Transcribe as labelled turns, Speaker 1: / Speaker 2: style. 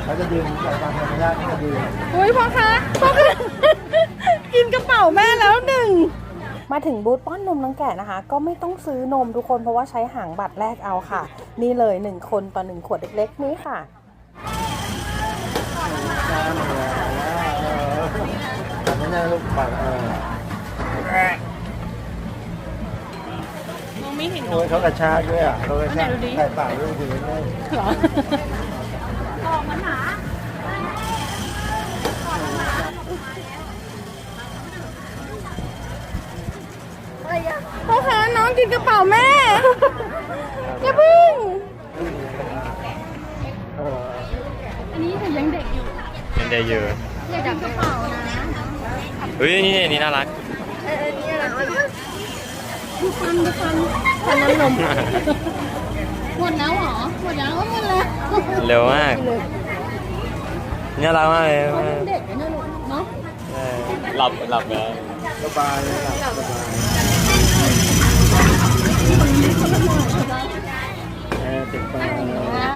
Speaker 1: เขาจะดึงจากตามธรรมชาติเขาจะดึง
Speaker 2: อุ้ยพ่อคะกินกระเป๋าแม่แล้วหนึ่งมาถึงบูธป้อนนมน้องแกะนะคะ ก็ไม่ต้องซื้อนมทุกคนเพราะว่าใช้หางบัตรแรกเอาค่ะ นี่เลย1คนต่อ1ขวดเล็กๆนี้ค่ะ
Speaker 1: แต่ไม่น่าลูกปัด
Speaker 2: มองไม่เห็น
Speaker 1: โอ้ยเขากระชากด้วยอ่ะเขากระชากใส่ปากด้วยดีเลย
Speaker 2: เหรอพ่อคะน้องกินกระเป๋าแม่อย่าพึ่งอันนี้หนูยังเด็กอยู่
Speaker 3: เป็นเดย์เยอะ
Speaker 2: อยากจับกระเป๋านะ
Speaker 3: เฮ้ยนี่น่ารัก
Speaker 2: นี่อะไรดูฟันฟันน้ำนมหมดแล้วเหรอหมดแล้วหมดแล้ว
Speaker 3: เร็วมากน่ารักมากเลย
Speaker 2: เด็กนะลูกเนาะ
Speaker 3: หลับแล้ว
Speaker 1: สบายเลยหลับสบาย